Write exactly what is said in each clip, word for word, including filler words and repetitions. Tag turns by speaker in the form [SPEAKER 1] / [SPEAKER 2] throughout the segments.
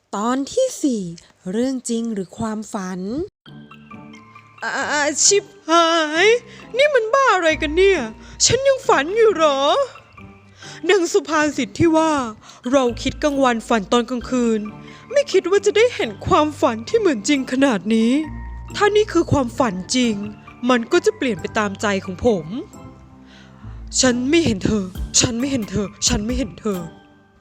[SPEAKER 1] ตอนที่สี่เรื่องจริงหรือความฝันอาชิบหายนี่มันบ้าอะไรกันเนี่ยฉันยังฝันอยู่หรอดังสุภาษิตที่ว่าเราคิดกลางวันฝันตอนกลางคืนไม่คิดว่าจะได้เห็นความฝันที่เหมือนจริงขนาดนี้ถ้านี่คือความฝันจริงมันก็จะเปลี่ยนไปตามใจของผมฉันไม่เห็นเธอฉันไม่เห็นเธอฉันไม่เห็นเธอ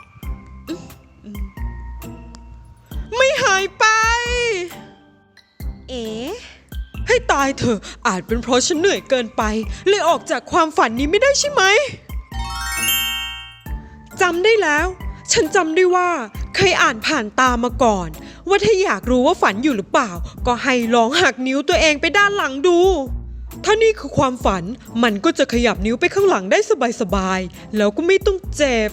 [SPEAKER 1] ไม่หายไปเอ๋ให้ตายเถอะอาจเป็นเพราะฉันเหนื่อยเกินไปเลยออกจากความฝันนี้ไม่ได้ใช่ไหมจำได้แล้วฉันจำได้ว่าเคยอ่านผ่านตามาก่อนว่าถ้าอยากรู้ว่าฝันอยู่หรือเปล่าก็ให้ลองหักนิ้วตัวเองไปด้านหลังดูถ้านี่คือความฝันมันก็จะขยับนิ้วไปข้างหลังได้สบายๆแล้วก็ไม่ต้องเจ็บ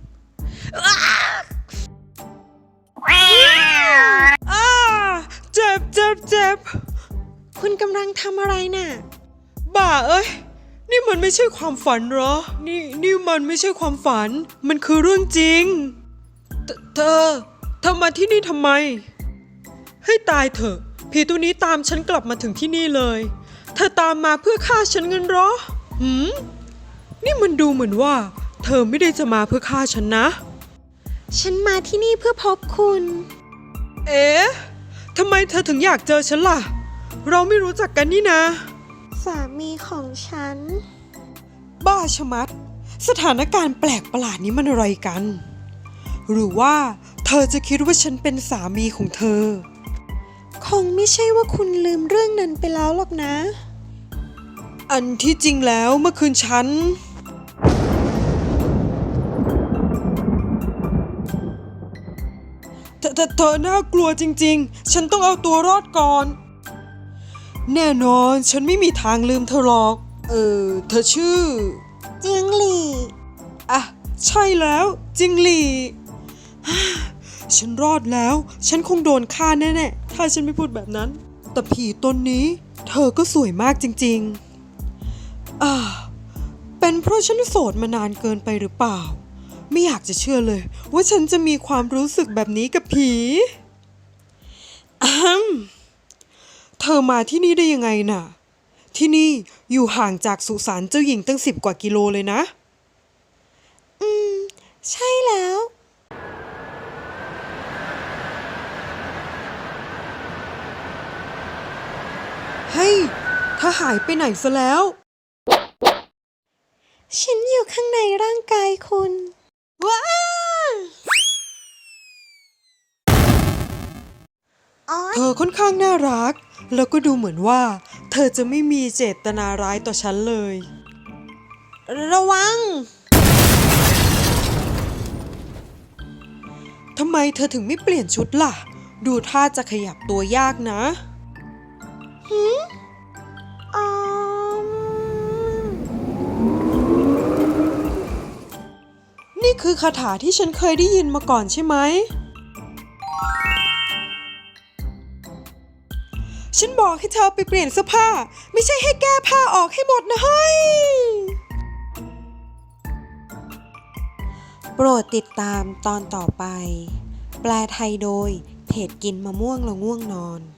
[SPEAKER 1] อ้าเจ็บเจ็บเจ็บคุณกำลังทำอะไรน่ะบ้าเอ้ยนี่มันไม่ใช่ความฝันเหรอนี่นี่มันไม่ใช่ความฝันมันคือเรื่องจริงเธอเธอมาที่นี่ทำไมให้ตายเถอะผีตัวนี้ตามฉันกลับมาถึงที่นี่เลยเธอตามมาเพื่อฆ่าฉันเงินเหรอหืมนี่มันดูเหมือนว่าเธอไม่ได้จะมาเพื่อฆ่าฉันนะฉันมาที่นี่เพื่อพบคุณเอ๊ะทำไมเธอถึงอยากเจอฉันล่ะเราไม่รู้จักกันนี่นะสามีของฉันบ้าชะมัดสถานการณ์แปลกประหลาดนี้มันอะไรกันหรือว่าเธอจะคิดว่าฉันเป็นสามีของเธอคงไม่ใช่ว่าคุณลืมเรื่องนั้นไปแล้วหรอกนะอันที่จริงแล้วเมื่อคืนฉันเธอเธอเธอน่ากลัวจริงๆฉันต้องเอาตัวรอดก่อนแน่นอนฉันไม่มีทางลืมเธอหรอกเออเธอชื่อจิงหลี่อ่ะใช่แล้วจิงหลี่ฉันรอดแล้วฉันคงโดนฆ่าแน่ๆถ้าฉันไม่พูดแบบนั้นแต่ผีตนนี้เธอก็สวยมากจริงๆอ่าเป็นเพราะฉันโสดมานานเกินไปหรือเปล่าไม่อยากจะเชื่อเลยว่าฉันจะมีความรู้สึกแบบนี้กับผีอ้มเธอมาที่นี่ได้ยังไงน่ะที่นี่อยู่ห่างจากสุสานเจ้าหญิงตั้งสิบกว่ากิโลเลยนะอืมใช่แล้วเฮ้ยเธอหายไปไหนซะแล้วฉันอยู่ข้างในร่างกายคุณว้าเธอค่อนข้างน่ารักแล้วก็ดูเหมือนว่าเธอจะไม่มีเจตนาร้ายต่อฉันเลยระวังทำไมเธอถึงไม่เปลี่ยนชุดล่ะดูท่าจะขยับตัวยากนะหืมอ๋อนี่คือคาถาที่ฉันเคยได้ยินมาก่อนใช่ไหมฉันบอกให้เธอไปเปลี่ยนเสื้อผ้าไม่ใช่ให้แก้ผ้าออกให้หมดนะเฮ้ยโปรดติดตามตอนต่อไปแปลไทยโดยเพจกินมะม่วงแล้วง่วงนอน